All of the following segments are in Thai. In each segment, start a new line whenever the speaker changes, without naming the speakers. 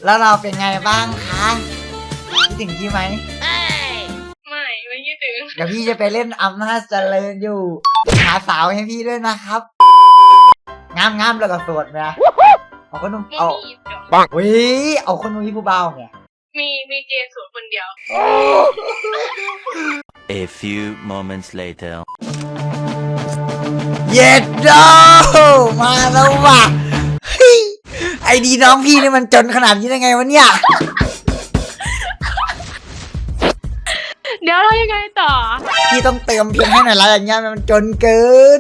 แล้วเราเป็นไงบ้างคะคิดถึงพี่ไหม
ไม่คิดถึง
เดี๋ยวพี่จะไปเล่นอำนาจเจริญอยู่หาสาวให้พี่ด้วยนะครับงามแล้วก็โสดไหมเอาคนนุ่มเอาปังวิเอาคนนุ่มผู้เบาเนี่ย
มีเจนสูตรคนเดียว
A few moments later
เย็ดโดมาแล้วว่ะไอดีน้องพี่นี่มันจนขนาดนี้ได้ไงวะเนี่ย
เดี๋ยวเรายังไงต่อ
พี่ต้องเติมเพลงให้หน่อยละอย่างเงี้ยมันจนเกิน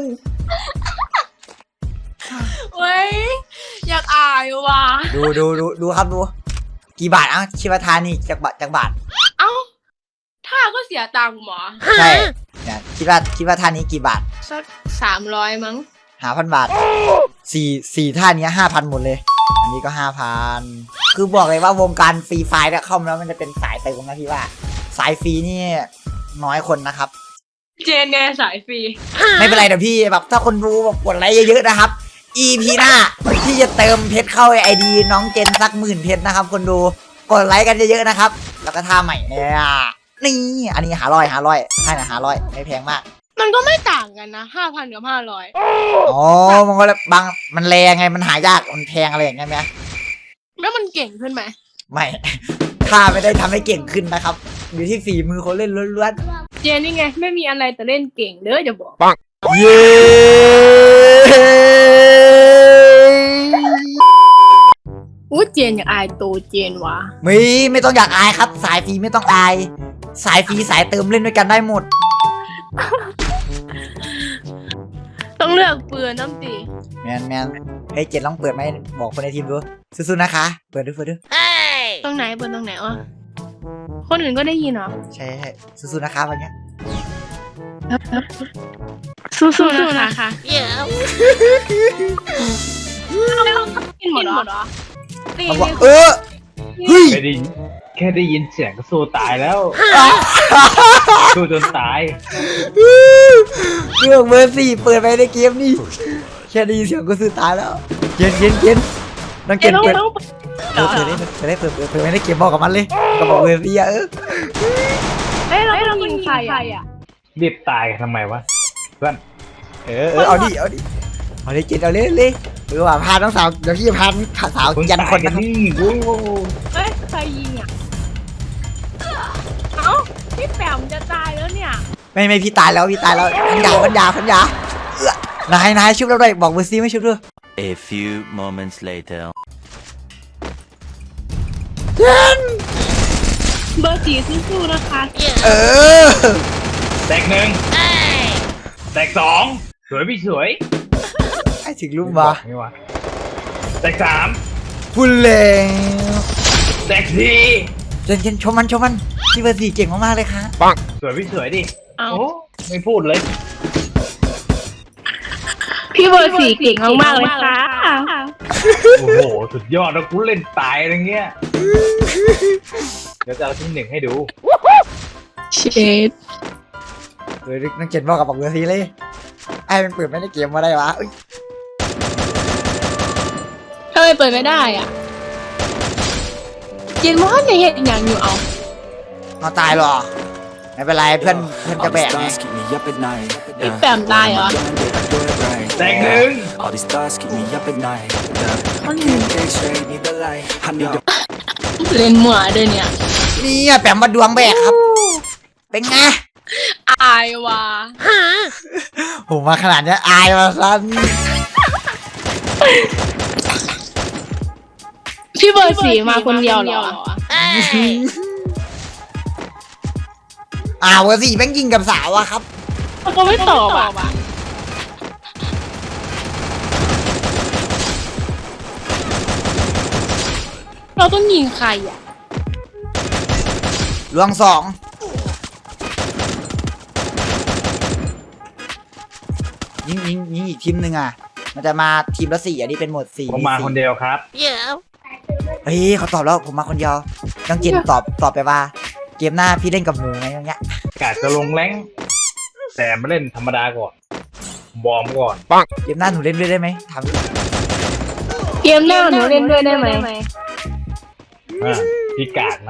เว้ยอยากอายว่ะ
ดูครับดูกี่บาทชิวทานี่จากบาท
เอ้าท่าก็เสียตังค์หมอ
ใช่เนี่ยคิดว่าท่านี้กี่บาท
สัก300มั้ง
5,000 บาทสี่ท่านี้5,000หมดเลยอันนี้ก็5,000คือบอกเลยว่าวงการฟรีไฟล์เนี่ยเข้ามาแล้วมันจะเป็นสายเติมนะพี่ว่าสายฟรีนี่น้อยคนนะครับ
เจนไงสายฟรี
ไม่เป็นไรเดี๋ยวพี่แบบถ้าคนรู้แบบกดไลค์เยอะๆนะครับ EP หน้าพี่จะเติมเพชรเข้าไอดีน้องเจนสัก10,000 เพชรนะครับคนดูกดไลค์กันเยอะๆนะครับแล้วก็ท่าใหม่เนี่ยนี่อันนี้500ให้นะ500ไม่แพงมาก
มันก็ไม่ต่างกันนะ5,000กับ500
อ๋อมันก็บางมันแรงไงมันหายากมันแพงอะไรอย่างเงี้ยไหม
แล้วมันเก่งขึ้นไหม
ไม่ถ้าไม่ได้ทำให้เก่งขึ้นนะครับอยู่ที่ฝีมือคนเล่นล้วน
ๆเจนนี่ไงไม่มีอะไรแต่เล่นเก่งเด้อจะบอก
ปังเย้
เจนอยากอายโตเจนวะ
ไม่ต้องอยากอายครับสายฟรีไม่ต้องอายสายฟรีสายเติมเล่นด้วยกันได้หมด
ต้องเลือกปืนน้ำตี
แมนเฮ้ยเจนลองเปิดไหมบอกคนในทีมดูสู้ๆนะคะเปิดดู
ตรงไหนเปิดตรงไหนวะคนอื่นก็ได้ยินเหรอ
ใช่สู้ๆนะคะวันนี้
สู้ๆนะคะกินหมดเหรอ
เขาบอกเฮ้ย
แค่ได้ยินเสียงก็สู้ตายแล้วสู้จนตาย
เรื่องเบอร์4เปิดไปในเกมนี่แค่ได้ยินเสียงก็สู้ตายแล้วเย็นน้องเกนเปิดได้เปิดไปในเกมบอกกับมันเลยก็บอกเบอร์4
เรายิงใครอ่ะ
รีบตายทำไมวะเพื่อน
เอาดิเจนเอาเลยว่าพาน้องสาวเดี๋ยวพี่พาสาวยันคนนะครับ
ใครยิงอ่ะเอ้าพี่แปมจะตายแล้วเนี่ย
ไม่พี่ตายแล้วพันยานายชุบเราด้วยบอกเบอร์ซีไม่ชุบด้วย
A few moments later
เจน
เบอร์4สู้ๆนะคะ
แตก1แตก2สวยพี่สวย
ไอ้ถึงรูปมา
แตก3
พูดเลย
แตก4
เจนชมมันพี่เบอร์4เก่งมากๆเลยค่ะ
ปังสวยพี่สวยดิโอ้ไม่พูดเลย
พี่เบอร์4เก่งมากๆเลยค่ะ
โอ้โหสุดยอดแล้วกูเล่นตายอะไรเงี้ยเดี๋ยวจะเอาที่1ให้ดู
เช็ด
เลยนักเก็ตบอกกับบอกเบอร์4เลยไอ้มันเปิดไม่ได้เกมมาได้วะ
ทำไมเปิดไม่ได้อ่ะเจนว่าในเหตุอย่างอยู่
เอาตายหรอไม่เป็นไรเพื่อนจะแบกไง
พี่แปมตายเหรอ
แตก1
เล่นหมัวด้วยเนี่ย
นี่แปมมาดวงแบกครับเป็นไง
อายว่ะ
ผมมาขนาดนี้อายมาสั้น
พี่เบอร์4มาคนเดียวเหรอ
เบอร์4แม่งยิงกับสาวอะครับ
เขาไม่ตอบอะเราต้องยิงใครอะ
ลวง2ยิงอีกทีมหนึ่งอ่ะมันจะมาทีมละ4อันนี้เป็นโหมด4
ผมมาคนเดียวครับ
เฮ้ยเขาตอบแล้วผมมาคนเดียวน้องเจนตอบไปว่าเกมหน้าพี่เล่นกับหนูไงอย่างเงี้ย
กะจะลงแรงแต่มาเล่นธรรมดาก่อนบอมก่อน
เกมหน้าหนูเล่นด้วยได้ไหมถาม
เกมหน้าหนูเล่นด้วยได้ไหม
พี่กากนะ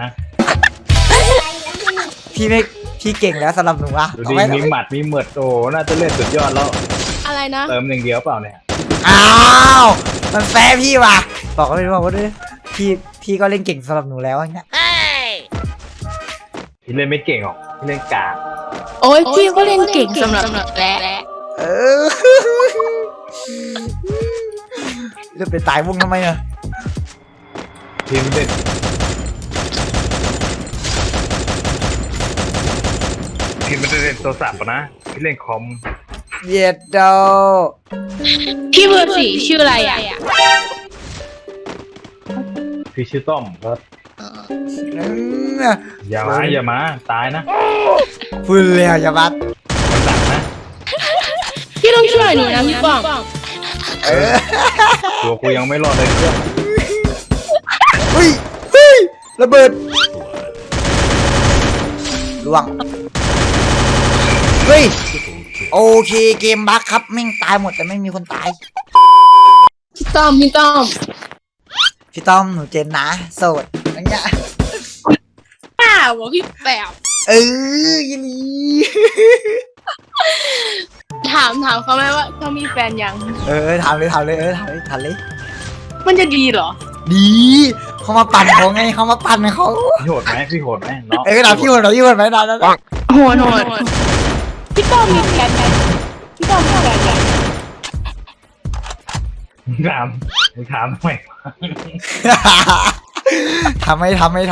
พี่เก่งแล้วสำหรับหนูอะ
ดู
เอา
ดี
ไว้
มีหมัดมีเหมือดโอ้น่าจะเล่นสุดยอดแล้ว
อะไรนะ
เติมหนึ่งเดียวเปล่าเนี่ย
อ้าวมันแฟร์พี่ว่ะบอกก็ไม่บอกว่าด้วยพี่ก็เล่นเก่งสำหรับหนูแล้วอย่างเงี้ย
พี่เล่นไม่เก่งหรอกพี่เล่นกาก
โอ้ยพี่ก็เล่นเก่งสำหรับแหละ
เออเริ่มไปตายวงทำไมอะ
พี่ไม่เล่นพี่ไม่ได้เล่นโทรศัพท์อะนะพี่เล่นคอม
เย็ดโด
พี่เบอร์สี่ชื่ออะไรอ่ะ
พี่ชื่อต้อมครับ
อืม
อย่ามาตายนะ
พูดเลยอะอย่าบัด
มันดักนะ
พี่ต้องช่วยหนูนะพี่ป้อง
เออ
ตัวกูยังไม่รอดเลยเพื่อน
เฮ้ยระเบิดล่วงเฮ้ยโอเคเกมบั๊กครับแม่งตายหมดแต่ไม่มีคนตาย
พี่ต้อม
พี่ต้อมหนูเจนนะโสดอย่างเงี้ย
ป้าบอกพี่แปบ
เออยินดี
ถามเขาไหมว่าเขามีแฟนยัง
เออถามเลยถามเลย
มันจะดีเหรอ
ดีเขามาปั่นเขาไงเขามาปั่นเขา
พี่โหดไหมพี่โหดไหมน้อง
เออถามพี่คนไหมนะ
โหดพี่ต้อมมีแฟนไหมพี่ต้อมมีแฟนยัง
มึงถามทำไม
ทำไม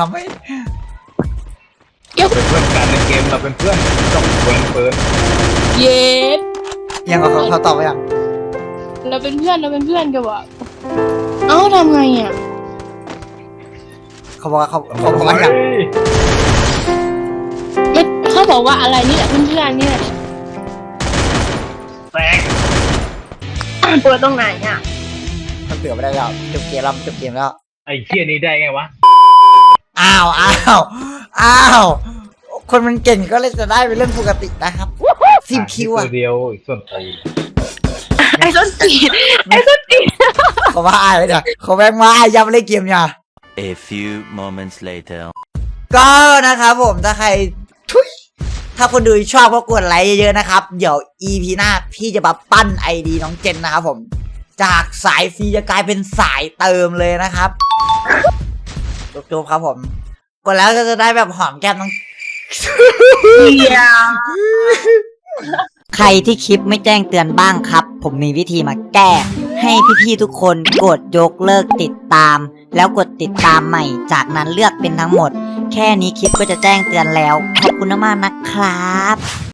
เราเป็นเพื่อนกันในเกมเราเป็นเพื่อนต้องเปิด
เย็ด
ยังกับเขาตอบไปยัง
เราเป็นเพื่อนกันวะเอ้าทำไงอ่ะ
เขาบอกว่าเขาบอกว่ายัง
ไม่เขาบอกว่าอะไรนี่แหละเพื่อนๆนี่แหละ
แตก
เปิดตรงไหนอ่ะ
เขาเตือนไม่ได้แล้วจบเกมแล้ว
ไอ้เชี่ยนี้ได้ไงวะ
อ้าวคนมันเก่งก็เลยจะได้เป็นเรื่องปกตินะครับ10 คิว
ตั
อ่ะ
วเดียวอีกส่วนตี
ไอ้ส้นตีน
เขาว่าอายเลยเนี่ยเขาแม่งมาอายย้ำเล่นเกมเนี่ย
A few moments later.
ก็นะครับผมถ้าใครถ้าคนดูชอบก็กดไลค์เยอะๆนะครับ เดี๋ยว EP หน้าพี่จะมาปั้น ID น้องเจนนะครับผมจากสายฟรีจะกลายเป็นสายเติมเลยนะครับจบครับผมกดแล้วก็จะได้แบบหอมแก้มน้อง ใครที่คลิปไม่แจ้งเตือนบ้างครับ ผมมีวิธีมาแก้ ให้พี่ๆทุกคนกดยกเลิกติดตาม แล้วกดติดตามใหม่จากนั้นเลือกเป็นทั้งหมด แค่นี้คลิปก็จะแจ้งเตือนแล้ว ขอบคุณมากๆนะครับ